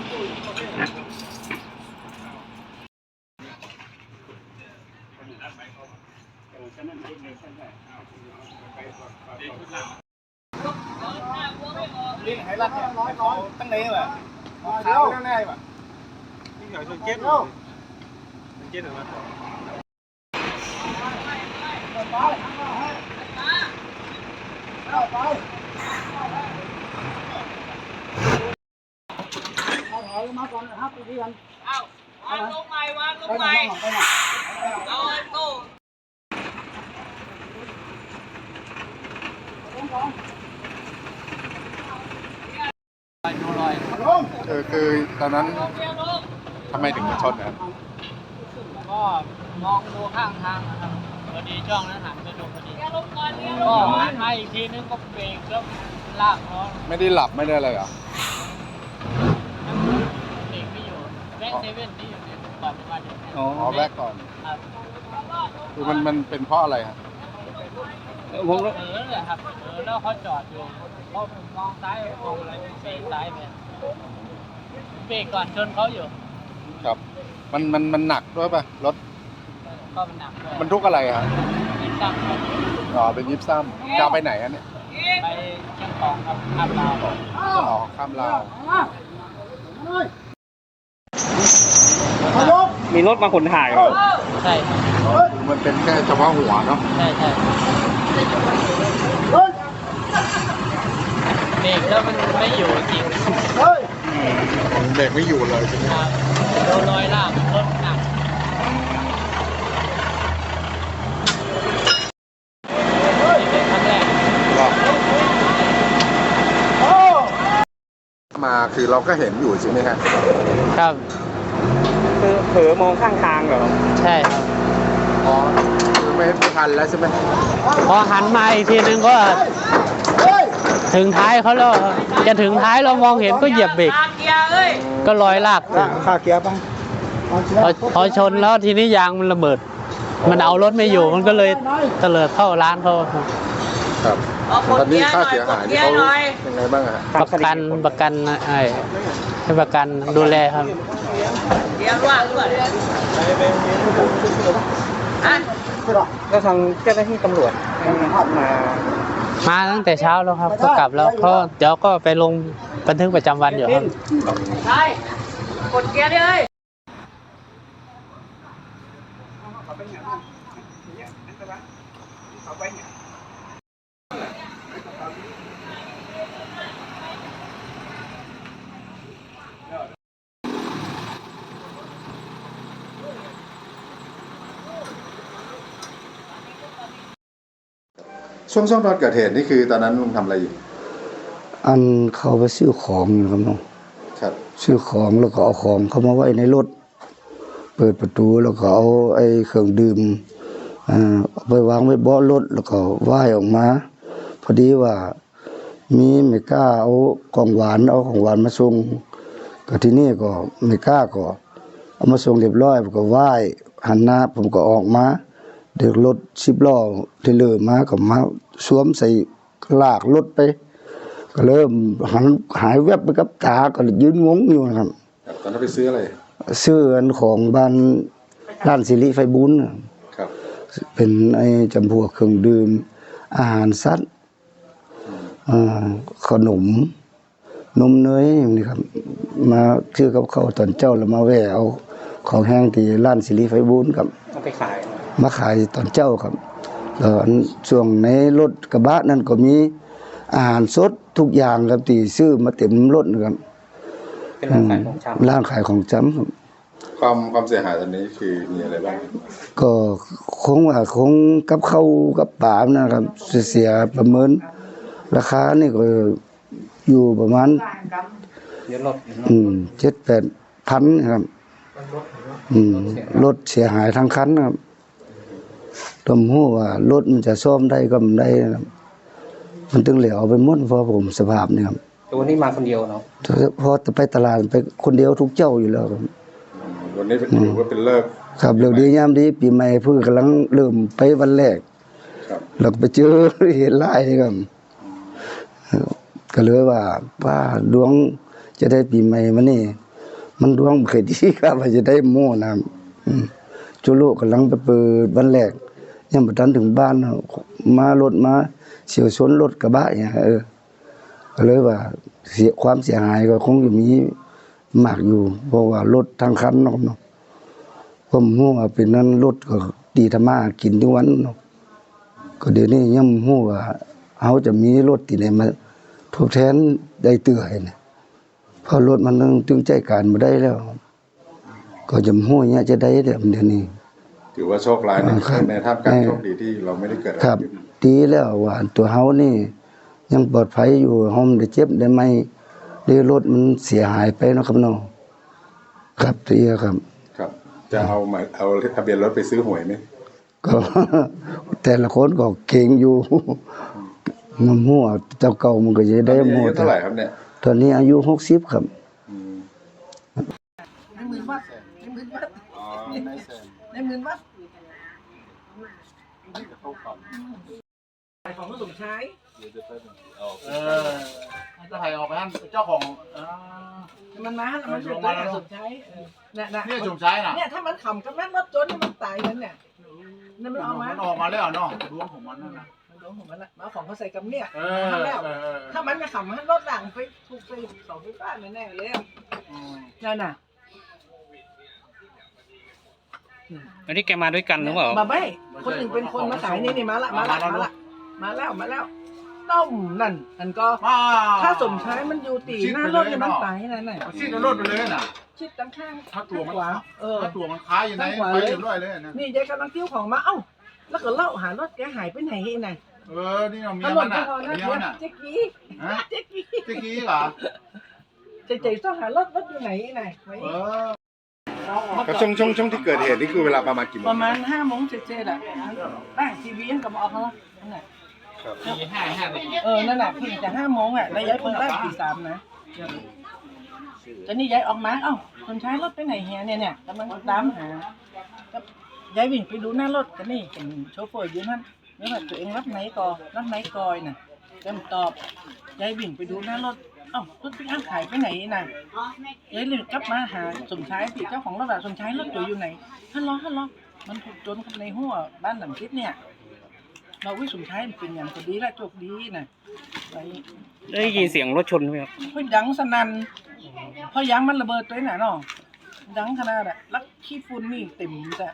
ลิ้นไฮรัดเนี่ยน้อยตั้งนี้แบบขาวแน่ๆแบบนี่เหรอจนเจ็ดเลยจนเจ็ดหรือเปล่าเอามาก่อนนะครับไปที่กันวางลงใหม่วางลงใหม่เอาโต้คือตอนนั้นทำไมถึงมาชนนะครับก็มองดูข้างทางนะครับพอดีช่องนั้นหันไปดูพอดีก็หันมาอีกทีนึงก็เบรกแล้วลากล้อไม่ได้หลับไม่ได้อะไรเหรอเบรกไม่อยู่แบ็คเซเว่นที่อยู่ในก่อนจะมาถึงอ๋อแรกก่อนคือมันเป็นเพราะอะไรครับผมเลยครับแล้วเขาจอดอยู่พอผมมองซ้ายมองอะไรเบรกซ้ายไปเบรกก่อนชนเขาอยู่ครับมันหนักด้วยป่ะรถก็มันหนักด้วยมันทุกอะไรครับยิบซ้ำอ๋อเป็นยิบซ้ำจะไปไหนอันนี้ไปเชียงของครับข้ามลาวอ๋อข้ามลาวมีรถมาขนถ่ายใช่มันเป็นแค่เฉพาะหัวเนาะใช่เบรกแล้วมันไม่อยู่จริงเบรกไม่อยู่เลยใช่ไหมครับโดนลอยล่างรถหนักเป็นครั้งแรกมาคือเราก็เห็นอยู่ใช่ไหมครับครับคือเผลอมองข้างทางเหรอใช่ครับอ๋อคือไม่ทันแล้วใช่ไหมพอหันมาอีกทีนึงก็ถึงท้ายเขาแล้วจะถึงท้ายเรามองเห็นก็เหยียบเบรกก็ลอยลากขาเกียร์ป่ะพอชนแล้วทีนี้ยางมันระเบิดมันเอารถไม่อยู่มันก็เลยเตลิดเข้าร้านเขาครับตอนนี้ค่าเสียหายนี่เขาเป็นไงบ้างฮะประกันให้ประกันดูแลครับเดี๋ยวว่าด้วยแล้วทางเจ้าหน้าที่ตำรวจมาตั้งแต่เช้าแล้วครับก็กลับแล้วเขาเดี๋ยวก็ไปลงบันทึกประจำวันอยู่ครับใช่กดเกียร์เลยช่วงตอนเกิดเหตุนี่คือตอนนั้นลุงทำอะไรอยู่อันเขาไปซื้อของครับน้องครับซื้อของแล้วก็เอาของเข้ามาไว้ในรถเปิดประตูแล้วก็เอาไอ้เครื่องดื่มเอาไปวางไว้เบาะรถแล้วก็ว่ายออกมาพอดีว่ามีไม่กล้าเอาของหวานมาส่งก็ที่นี่ก็ไม่กล้าก็เอามาส่งเรียบร้อยผมก็ว่ายหันหน้าผมก็ออกมาเด็กรถ10 ล้อเทเลอร์มาก็มาสวมใส่ลากรถไปก็เริ่มหายแวบไปกับตาก็ยืนงงอยู่นะครับตอนนั้นไปซื้ออะไรซื้ออันของบ้านร้านสิริไฟบุญครับเป็นไอ้จำพวกเครื่องดื่มอาหารสัตว์ขนมนมเนยนี่ครับมาซื้อกับเขาตอนเจ้าแล้วมาแวะเอาของแห้งที่ร้านสิริไฟบุญครับเอาไปขายมาขายตอนเจ้าครับแล้วช่วงในรถกระบะนั้นก็มีอาหารสดทุกอย่างครับที่ซื้อมาเต็มรถนะครับเป็นร้านขายของชำร้านขายของชำครับความเสียหายตอนนี้คือมีอะไรบ้างก็คงกับข้าวกับปลานะครับเสียประเมินราคานี่ก็อยู่ประมาณเยอะรถ 7-8 พันครับรถเสียหายทั้งคันครับต้องรู้ว่ารถมันจะซ่อมได้ก็ไม่ได้ครับมันถึงเหลือเอาไปหมดเพราะผมสภาพนี่ครับตัวนี้มาคนเดียวเนาะพอจะไปตลาดไปคนเดียวทุกเจ้าอยู่แล้วครับวันนี้ถือว่าเป็นเลิกครับเลิกดียามดีปีใหม่เพิ่งกำลังเริ่มไปวันแรกแล้วไปเจอเหตุร้ายครับก็เลยว่าดวงจะได้ปีใหม่มานี่มันดวงบ่เคยดีครับว่าจะได้หมู่นะจุโลกำลังไปเปิดวันแรกยังบ่ทันถึงบ้านมารถมาเฉียวชนรถกระบะเนี่ยก็เลยว่าความเสียหายก็คงจะมีมากอยู่เพราะว่ารถทางคันเนาะผมฮู้ว่าเป็นนั้นรถก็ดีทำมากินทุกวันเนาะก็เดี๋ยวนี้ยังฮู้ว่าเฮาจะมีรถที่ไหนมาทดแทนได้เตื้อให้นะเพราะรถมันตึงใจการบ่ได้แล้ว ก็จะฮู้เนี่ยจะได้เดี๋ยวนี้ถือว่าโชคร้ายในท่ามกลางโชคดีที่เราไม่ได้เกิดอะไรครับขึ้นดีแล้วว่าตัวเฮานี่ยังปลอดภัยอยู่เฮาไม่ได้เจ็บได้ไม่ได้รถมันเสียหายไปเนาะครับเนาะครับเตียครับครับ จะเอาทะเบียนรถไปซื้อหวยไหมก็ แต่ละคนก็เก่งอยู่ มันมั่วเจ้าเก่ามันก็จะได้ตอนนี้มั่วอายุเท่าไหร่ครับเนี่ยตอนนี้อายุ60ครับในหมื่นวัดในหมื่นวัดอ๋อในแสนในหมื่นวัดของผู้สมชายเออจะให้ออกไปท่านเจ้าของมันมาแล้วมันเป็นตัวสมชายเนี่ยนี่จุ่มซ้ายน่ะเนี่ยถ้ามันขำกับแม่รถจนมันตายกันเนี่ยนั่นมันออกมามันออกมาแล้วเนาะดวงของมันนั่นนะมันโดนของมันละมาของเขาใส่กับเนี่ยเอทำแล้วอถ้ามันไม่ขำมันรถหลังไปถูกใส่เสาไฟฟ้าแน่ๆเลยนั่นน่ะอันนี้แกมาด้วยกันหรือเปล่ามาไม่คนหนึ่งเป็นคนมาขายนี่มาแล้วต้มนั่นก็ถ้าสมชายมันอยู่ตีหน้ารถมันตายนั่นน่ะชิดรถไปเลยน่ะชิดตั้งข้างถ้าตัวมันขวาถ้าตัวมันค้าอยู่ไหนไปเรียบร้อยเลยนะนี่ยายกำลังเที่ยวของมาเอ้าแล้วก็เล่าหารถแกหายไปไหนไงนี่เราเมีถยนมัน นไปอ่ะพอนะเมียมันอ่ะเจ๊กี้ฮะเจ๊กี้เจ๊กี้เหรอเจ๊ต้องหารถอยู่ไหนไงครับช่วงที่เกิดเหตุนี่คือเวลาประมาณกี่โมงประมาณ5 โมงเสร็จอ่ะตั้งทีวีกับออกเขานั่นแหละตี5 นั่นแหละพี่จะ5 โมงอ่ะแล้วย้ายคนแรกตี 3นะตอนนี้ย้ายออกมาเอ้าคนใช้รถไปไหนเฮียเนี่ยกำลังตามหาย้ายวิ่งไปดูหน้ารถกันนี่เห็นโชเฟอร์อยู่นั่นแล้วแบบตัวเองรับไหนกอยน่ะเต็มตอบย้ายวิ่งไปดูหน้ารถเอ้ารถพี่อ้างขายไปไหนน่ะย้ายเลยกลับมาหาสมชายพี่เจ้าของรถอะสมชายรถตัวอยู่ไหนฮัลโหลมันถูกโจรเข้าในหัวบ้านหลังทิศเนี่ยเราวิสมชายเป็นอย่างก็ดีละโชคดีน่ะไปได้ยินเสียงรถชนไหมครับเฮ้ยดังสนั่นเพราะยางมันระเบิดตัวไหนเนาะดังขนาดอะลักขี้ฝุ่นนี่เต็มแต่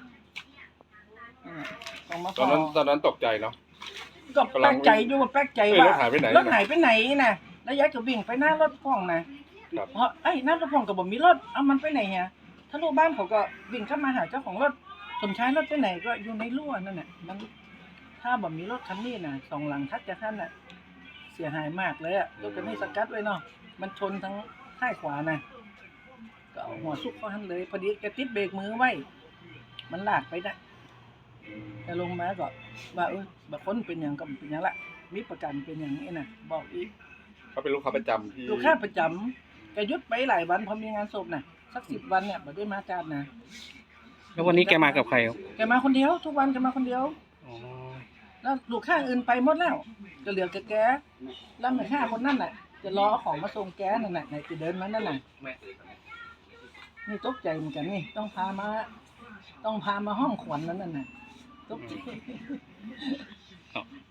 ตอนนั้นตกใจเนาะก็แปลกใจอยู่แปลกใจว่ารถหายไปไหนรถหายไปไหนนะแล้วยายก็วิ่งไปหน้ารถพ่องนะเพราะหน้ารถพ่องก็บอกมีรถเอามันไปไหนฮะถ้าลูกบ้านเขาก็วิ่งเข้ามาหาเจ้าของรถสมชายรถไปไหนก็อยู่ในรั้วนั่นแหละมันถ้าแบบมีรถคันนี้นะ2 หลังทัดจะขั้นน่ะเสียหายมากเลยอะรถคันนี้สกัดไว้เนาะมันชนทั้งท้ายขวานะก็เอาหัวซุกเขาหันเลยพอดีแกติดเบรกมือไว้มันลากไปได้แต่ลงมาก็ว่าบางคนเป็นอย่างก็เป็นอย่างละมีประกันเป็นอย่างนี้นะบอกอีกเขาเป็นลูกค้าประจำที่ลูกค้าประจำแกยุดไปหลายวันพอมีงานศพนะสัก10 วันเนี่ยบ่ได้มาจานนะแล้ววันนี้แกมากับใครครับแกมาคนเดียวทุกวันแกมาคนเดียวอ๋อแล้วลูกค้าอื่นไปหมดแล้วจะเหลือแกแล้วแม่ค้าคนนั้นน่ะจะรอเอาของมาส่งแกนั่นน่ะไหนจะเดินมานั่นน่ะนี่ตกใจเหมือนกันนี่ต้องพามาห้องขวัญนั่นน่ะตกใจ